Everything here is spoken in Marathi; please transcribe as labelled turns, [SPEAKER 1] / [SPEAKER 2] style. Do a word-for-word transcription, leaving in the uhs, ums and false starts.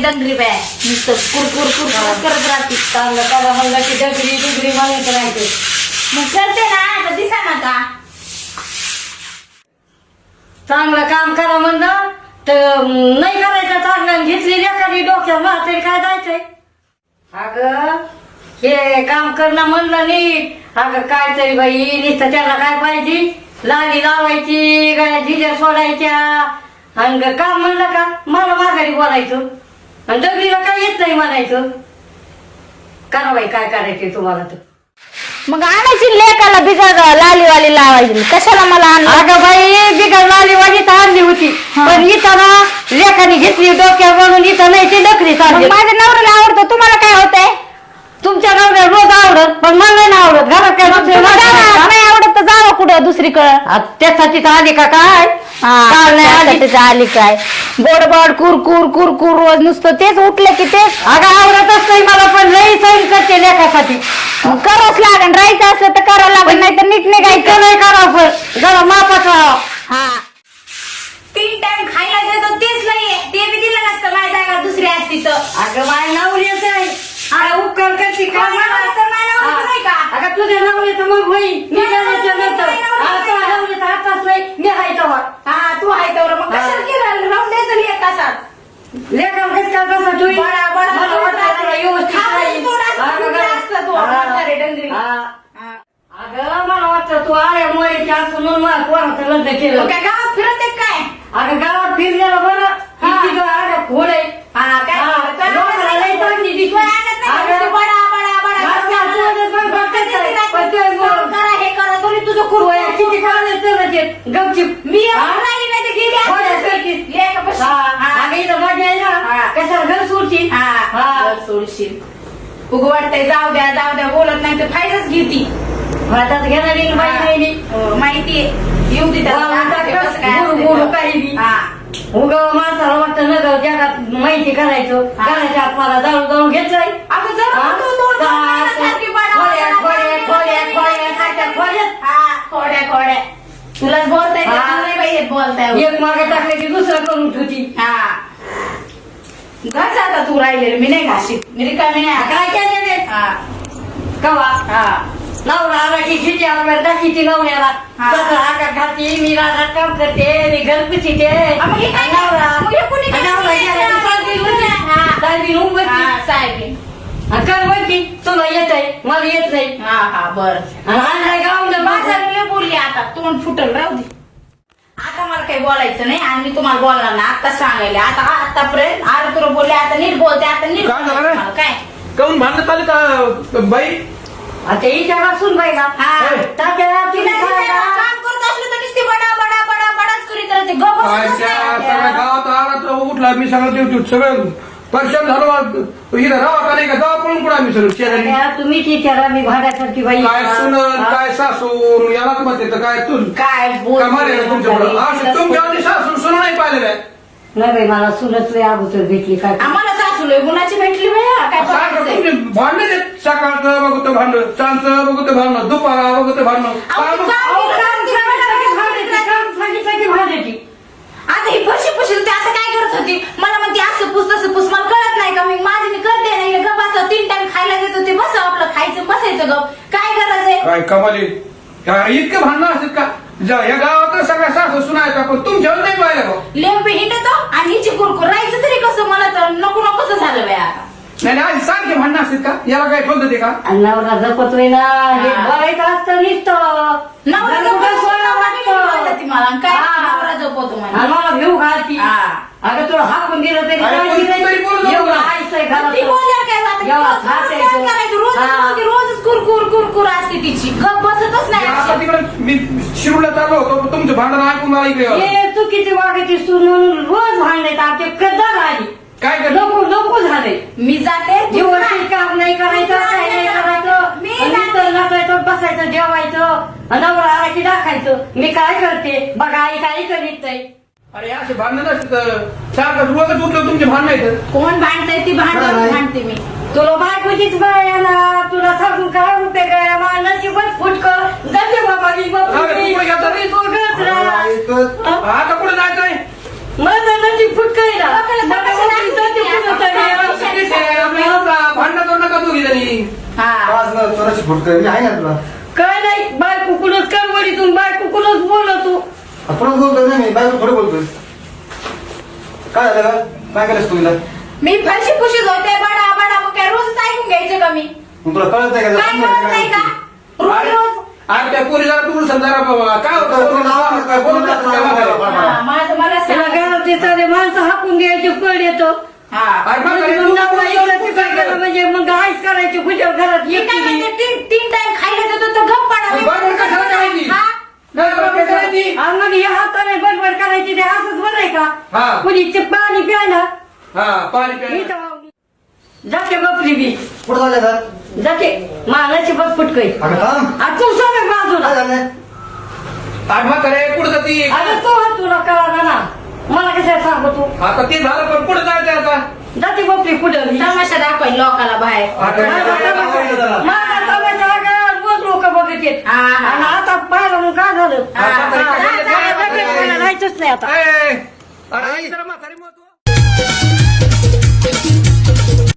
[SPEAKER 1] डंगरी बाय नुसतं कुरकुर कुरकुर करत राहते.
[SPEAKER 2] चांगलं करा म्हणलं की डगरी डुगरी म्हणत राहायचं.
[SPEAKER 1] मग करते ना आता दिसा ना का
[SPEAKER 2] चांगलं काम करा म्हणलं तर नाही करायचं चांगलं घेतली एखादी डोक्यात ना तरी काय जायचंय. अगं हे काम करणं म्हणलं नीट. अगं काय तरी बाई नुसतं त्याला काय पाहिजे लाली लावायची गाय झिजर सोडायच्या आणि काम म्हणलं का मला माघारी बोलायचं आणि डगरीला काय येत नाही म्हणायचं. करा बाई काय करायचे तुम्हाला तर.
[SPEAKER 3] मग आणायची लेकाला बिगर लालीवाली लावायची कशाला मला आणलं.
[SPEAKER 2] अगं बाई बिगर लालीवाली तर आणली होती पण इथं ना लेखाने घेतली डोक्यावर म्हणून इथं नाही ती डकरी
[SPEAKER 3] मग
[SPEAKER 2] चालली.
[SPEAKER 3] माझ्या नवऱ्याला आवडतं तुम्हाला काय होतंय.
[SPEAKER 2] तुमच्या नवऱ्या रोज आवडत पण मला नाही ना आवडत. घरात काय दुसरं
[SPEAKER 3] तुम्हाला
[SPEAKER 2] नाही
[SPEAKER 3] नाही आवडत तर जावं कुठं दुसरीकडं.
[SPEAKER 2] आ, त्यासाठी तर आली का काय काल नाही आली.
[SPEAKER 3] त्यासाठी आली काय गोडबड कुरकुर कुरकुर रोज नुसतं तेच उठलं की तेच.
[SPEAKER 2] अगं आवडतच नाही मला पण लई सहन करते लेखासाठी.
[SPEAKER 3] करावंच लागेल राहायचं असलं तर करावं लागेल नाही तर नीट निघायचं.
[SPEAKER 2] इतकं नाही करावं पण जरा मापात राहावं.
[SPEAKER 3] हा
[SPEAKER 1] तीन टाइम खायला देतो तेच नाहीये ते बी दिलं नसतं माझ्या जागा दुसरी असती तर.
[SPEAKER 2] अगं बाय नवऱ्याच आहे अगं उपकार करते का
[SPEAKER 1] माझ्या नवऱ्याचं माझ्या नवऱ्याचं नाही का?
[SPEAKER 2] अगं तुझ्या नवऱ्याचं मग होईल मी जाण्याच्या नंतर आता नवऱ्याचा हातात नाही मी हाय तेव्हा.
[SPEAKER 1] हा तू आहे तर मग कशाला केलं राहून द्यायचं नाही एक तासात.
[SPEAKER 2] लेखा कसं का तसं तुम्ही
[SPEAKER 1] बडा बडा
[SPEAKER 2] मला वाटतं तुला व्यवस्थित
[SPEAKER 1] खाऊन
[SPEAKER 2] राहील.
[SPEAKER 1] तोंड असं
[SPEAKER 2] अगं
[SPEAKER 1] फुगलं
[SPEAKER 2] गं.
[SPEAKER 1] असतं तू,
[SPEAKER 2] हा.
[SPEAKER 1] म्हातारे डंगरी.
[SPEAKER 2] हा.
[SPEAKER 1] हा.
[SPEAKER 2] अगं मला वाटतं तू आल्या मुळेची असं म्हणून मला पोराचं लग्न केलं.
[SPEAKER 1] मग काय गावात फिरत आहे काय?
[SPEAKER 2] अगं गावात फिरलेलं बरं
[SPEAKER 1] हा.
[SPEAKER 2] इतकी गं आड्या खोड आहे.
[SPEAKER 1] हा काय?
[SPEAKER 2] हा.
[SPEAKER 1] काय
[SPEAKER 2] लोकांना लई चांगली दिसते.
[SPEAKER 1] तू आणत नाही
[SPEAKER 2] अगं.
[SPEAKER 1] नुसतं बडा बडा बडा
[SPEAKER 2] मला
[SPEAKER 1] नुसतं
[SPEAKER 2] वाटतं
[SPEAKER 1] आणत.
[SPEAKER 2] तुझं पण
[SPEAKER 1] फक्त
[SPEAKER 2] फक्त
[SPEAKER 1] किती
[SPEAKER 2] काय?
[SPEAKER 1] रात्री
[SPEAKER 2] फक्त
[SPEAKER 1] काम करा हे करा तरी तुझं कुरकुर
[SPEAKER 2] होय, किती काढलं तर ते गपचिप.
[SPEAKER 1] मी
[SPEAKER 2] हा?
[SPEAKER 1] राहिली नाही तर गेली
[SPEAKER 2] होय,
[SPEAKER 1] असती.
[SPEAKER 2] करतीस.
[SPEAKER 1] लेकापाशी.
[SPEAKER 2] हा.
[SPEAKER 1] हा.
[SPEAKER 2] अगं इथं मजा आहे
[SPEAKER 1] हा.
[SPEAKER 2] ना कशाला घर सोडची.
[SPEAKER 1] हा.
[SPEAKER 2] हा.
[SPEAKER 1] घर सोडशील उगं वाटतंय जाऊ द्या जाऊ द्या बोलत नाही तर फायदाच घेती.
[SPEAKER 2] हातात घेणारी बाई नाही मी.
[SPEAKER 1] हो, माहितीये येऊ दे त्याला.
[SPEAKER 2] वावरतात
[SPEAKER 1] ते
[SPEAKER 2] का?
[SPEAKER 1] कसं काय
[SPEAKER 2] गुरु-
[SPEAKER 1] असतंय
[SPEAKER 2] गुरु
[SPEAKER 1] तर.
[SPEAKER 2] काही बी.
[SPEAKER 1] हा.
[SPEAKER 2] उगं माणसाला वाटतं न गं जगात माहिती करायचं
[SPEAKER 1] हा.
[SPEAKER 2] करायच्या आत्माला जाळून जाळून घेतलंय.
[SPEAKER 1] अगं जर
[SPEAKER 2] हा?
[SPEAKER 1] तू दोन दोन महिन्यासारखी बडा-
[SPEAKER 2] खोड्या खोड्या खोड्या खोड्या खात्या खोड्यात.
[SPEAKER 1] हा, खोड्या खोड्या तुलाच बोलताय
[SPEAKER 2] हा.
[SPEAKER 1] तुला नाही बाई येत बोलताय.
[SPEAKER 2] एक मागे टाकले की दुसरं करून ठेवती.
[SPEAKER 1] हा घास आता तू राहिलेलं मी नाही घाशीत मी रिकामी नाही आता.
[SPEAKER 2] काय केलं रे
[SPEAKER 1] हा
[SPEAKER 2] कवा
[SPEAKER 1] हा
[SPEAKER 2] नवरा आला की खिची आपल्याला दाखीची नवऱ्याला
[SPEAKER 1] हा.
[SPEAKER 2] स्वतः आकार घालते मी रानात काम करते मी घर पुसीते.
[SPEAKER 1] हा, मग हे काय?
[SPEAKER 2] नवरा
[SPEAKER 1] मग हे कुणी काय
[SPEAKER 2] नवरा
[SPEAKER 1] केलं?
[SPEAKER 2] गेला की सासरी होती.
[SPEAKER 1] हा.
[SPEAKER 2] सासरी होऊन बसली.
[SPEAKER 1] हा साहेब
[SPEAKER 2] आणि कर म्हणती तुला येत आहे मला येत नाही.
[SPEAKER 1] हा हा बर
[SPEAKER 2] आणि आणलाय गावाला
[SPEAKER 1] माझा
[SPEAKER 2] माझा
[SPEAKER 1] लय बोलली आता तोंड फुटल राहू दे. आता मला काही बोलायचं नाही आणि मी तुम्हाला बोलणार ना आता सांगायला आता आतापर्यंत आता तुला बोलले आता नीट बोलते आता नीट
[SPEAKER 4] काय झालं
[SPEAKER 1] बोलायचं
[SPEAKER 4] रे?
[SPEAKER 1] मला, काय
[SPEAKER 4] काऊन भांडण चालू का बाई.
[SPEAKER 2] आता हिच्या वासून बाई ना
[SPEAKER 1] हा.
[SPEAKER 2] तात्या
[SPEAKER 1] तिला
[SPEAKER 2] तुम्ही
[SPEAKER 1] तिला
[SPEAKER 2] सांगा.
[SPEAKER 1] काम करत असलं तर नुसती बडा बडा बडा बडाच करीत राहते गप
[SPEAKER 4] काय
[SPEAKER 1] बसतच
[SPEAKER 4] त्या
[SPEAKER 1] नाही.
[SPEAKER 4] सगळ्या गावात आला तर उठला मी सगळं देऊ सगळं परेशान झालो. इथं राहा का नाही का जावा पळून पडा मी सगळं शेजारी.
[SPEAKER 2] तात्या, तुम्हीच विचारा मी भाड्यासारखी बाई
[SPEAKER 4] काय सुनन
[SPEAKER 2] हा.
[SPEAKER 4] काय सासून यालाच म्हणते तर काय तू
[SPEAKER 1] काय बोल
[SPEAKER 4] कमाल आहे तुमच्याकडं असं तुमच्या आधी सासून सुन नाही पाहिलेलं आहे.
[SPEAKER 2] नाही बाई मला सुनच लय अगोदर भेटली काय
[SPEAKER 1] आम्हाला सासूला गुणाची भेटली बाया काय
[SPEAKER 4] सारखं
[SPEAKER 1] करायचंय?
[SPEAKER 4] तुमचे भांडण आहेत. सकाळचं बघतो भांडण सांजचं बघतो भांडण दुपारा बघतो भांडण
[SPEAKER 1] अहो,
[SPEAKER 4] काय
[SPEAKER 1] ती
[SPEAKER 4] मग?
[SPEAKER 1] काम
[SPEAKER 2] अहो,
[SPEAKER 1] केलं
[SPEAKER 2] काम
[SPEAKER 1] तर ती
[SPEAKER 2] सांगितलं की
[SPEAKER 1] भांडण
[SPEAKER 2] भांडायची,
[SPEAKER 1] करायची.
[SPEAKER 2] काम सांगितलं की भांडायची.
[SPEAKER 1] आता ही फशी फशी होती आता काय करत होती मला म्हणते असं पुस तसं पुस मला कळत नाही का मी माझी मी करते नाही गप असं तीन टाइम खायला देत होते बस आपलं खायचं बसायचं गप काय करायचंय.
[SPEAKER 4] काय कमाली इतकं भांडणं असतात का जा- या गावात सगळ्या सासू सुनाय का पण तुमच्यावर नाही पाहिलं का.
[SPEAKER 1] लेंबी हिंडतो आणि हिची कुरकुर राहायचं तरी कसं मला तर नको नकोच झालं बाय आता.
[SPEAKER 4] नाही नाही आधी सारखे भांडणं असतात का याला काय ठेवत ते का.
[SPEAKER 2] आणि नवरा जपतोय ना हे
[SPEAKER 1] हा.
[SPEAKER 2] बघायचं असतं नुसतं.
[SPEAKER 1] नवरा
[SPEAKER 2] नवरा
[SPEAKER 1] जपतो,
[SPEAKER 2] सोडा
[SPEAKER 1] नवरा
[SPEAKER 2] वाटतं.
[SPEAKER 1] बोलते ती मला आणि काय
[SPEAKER 2] हा.
[SPEAKER 1] नवरा जपतो
[SPEAKER 2] आणि
[SPEAKER 1] मला.
[SPEAKER 2] मला घेऊ घालती
[SPEAKER 1] हा.
[SPEAKER 2] अगं तुला हाकून दिलं तरी
[SPEAKER 4] अरे,
[SPEAKER 2] जायची
[SPEAKER 4] पण
[SPEAKER 2] नाही.
[SPEAKER 4] तरी बोलू नको
[SPEAKER 2] एवढं
[SPEAKER 4] ना.
[SPEAKER 2] आईसंय घरात.
[SPEAKER 1] ती बोलल्यावर काय आता
[SPEAKER 2] एवढा
[SPEAKER 1] रोज
[SPEAKER 2] थाट
[SPEAKER 1] सहन
[SPEAKER 2] येतो.
[SPEAKER 1] करायचं रोजच
[SPEAKER 2] हा.
[SPEAKER 1] बोलते, रोजच कुरकुर कुरकुर असते तिची गप बसतच नाही
[SPEAKER 4] आता
[SPEAKER 1] अशी.
[SPEAKER 4] तिकडे मी शिरूरला चाललो होतो तुमचं भांडण ऐकून मला इकडे आलं.
[SPEAKER 2] हे चुकीची वागायची सून म्हणून रोज भांडण्यात आमचे कद्दार आली
[SPEAKER 4] काय कर
[SPEAKER 2] नको नको झाले.
[SPEAKER 1] मी जाते तू
[SPEAKER 2] दिवसभर काम नाही करायचं काही नाही करायचं
[SPEAKER 1] मी
[SPEAKER 2] आणि नुसतं नाचायचं बसायचं जेवायचं आणि नवरा आला की दाखायचं मी काय करते बघा आई काही करीत नाही.
[SPEAKER 4] अरे असे भांडण नसतं सारखं रोजच उठलं तुमचे भांडण येतं.
[SPEAKER 1] कोण भांडतय ती भांडण
[SPEAKER 4] काय?
[SPEAKER 1] भांडते मी.
[SPEAKER 2] तुला बायकोचीच बाय ना तुला सांगून काय होते काय मला नशीबच फुटकं जाते बाबा मी बाबा
[SPEAKER 4] अरे, तू कुठे गेलता रे?
[SPEAKER 2] मी दोघंच राहा.
[SPEAKER 4] आता कुठे जायचंय.
[SPEAKER 2] माझं नशीब फुटकं आहे ना
[SPEAKER 1] लोकांना
[SPEAKER 2] मला
[SPEAKER 1] तपासायला
[SPEAKER 2] वाटतं जाते
[SPEAKER 1] लागते.
[SPEAKER 2] कुठं तरी.
[SPEAKER 5] असं चोराशी फुटतोय मी आहे ना तुला
[SPEAKER 2] काय नाही बायको कुणच कडवडीतून बायको कुणच बोलतो
[SPEAKER 5] आपण बोलतोय ना मी बायको थोडं बोलतोय काय झालं का काय केलंस तू हिला
[SPEAKER 1] मी फरशी पुशीत होते बडा बडा मग काय रोज ऐकून घ्यायचं का मी
[SPEAKER 5] मग तुला कळत नाही का
[SPEAKER 1] काय कळत नाही का रोज रोज
[SPEAKER 4] अरे त्या पोरी जरा दूर समजा बाबा काय होतं काय बोलत नसतं त्या माघारी.
[SPEAKER 1] हा, माझं मला
[SPEAKER 2] त्याला
[SPEAKER 1] सांग.
[SPEAKER 2] घरात येतात माणसं हाकून घ्यायची पड येतो
[SPEAKER 1] हा.
[SPEAKER 4] अरे माघारी
[SPEAKER 2] मग
[SPEAKER 4] तू
[SPEAKER 2] नवरा
[SPEAKER 4] बोलत
[SPEAKER 2] इकडं
[SPEAKER 4] नसतं.
[SPEAKER 2] तिकडं गेलं म्हणजे मग आईस करायची खुशाल घरात
[SPEAKER 1] मी काय
[SPEAKER 2] एकटी
[SPEAKER 1] म्हणते, तीन तीन टाइम खायला देतो तर गप पडा मी
[SPEAKER 4] बरोबर कशाला करायची?
[SPEAKER 1] हा?
[SPEAKER 4] नाही, बरोबर करायची.
[SPEAKER 2] आणि मग या हाताने बडबड करायची ते असंच बरं आहे
[SPEAKER 4] हा.
[SPEAKER 2] का कुणी ते पाणी प्यायला
[SPEAKER 4] हा पाणी
[SPEAKER 2] मी
[SPEAKER 4] प्या
[SPEAKER 2] तर जाते बपली बी
[SPEAKER 5] कुठं झालं तर
[SPEAKER 2] जाते मानाची बस फुटकई
[SPEAKER 5] अगं थांब
[SPEAKER 2] आता तू सगळं बाजूला
[SPEAKER 5] काय झालं
[SPEAKER 4] आठ म्हातारे कुठं जाती
[SPEAKER 2] अरे तू हा तुला कळा ना मला कसं सांगू तू
[SPEAKER 4] आता ते झालं पण कुठं जायचं आता
[SPEAKER 2] जाते बपली कुठं बी.
[SPEAKER 1] तमाशा दाखवाय लोकाला बाहेर
[SPEAKER 5] आता
[SPEAKER 2] माझा
[SPEAKER 5] काय
[SPEAKER 2] तमाशा-
[SPEAKER 5] झालं?
[SPEAKER 2] माझा तमाशा आगार रोज लोक बघत येत
[SPEAKER 1] हा, हा.
[SPEAKER 2] आणि आता पाहिलं मग काय झालं
[SPEAKER 1] हा,
[SPEAKER 2] हा,
[SPEAKER 4] हा,
[SPEAKER 2] हा,
[SPEAKER 4] हा,
[SPEAKER 2] हा, हा, हा, मला राहायचंच नाही आता
[SPEAKER 4] ए, अरे जरा म्हातारी मत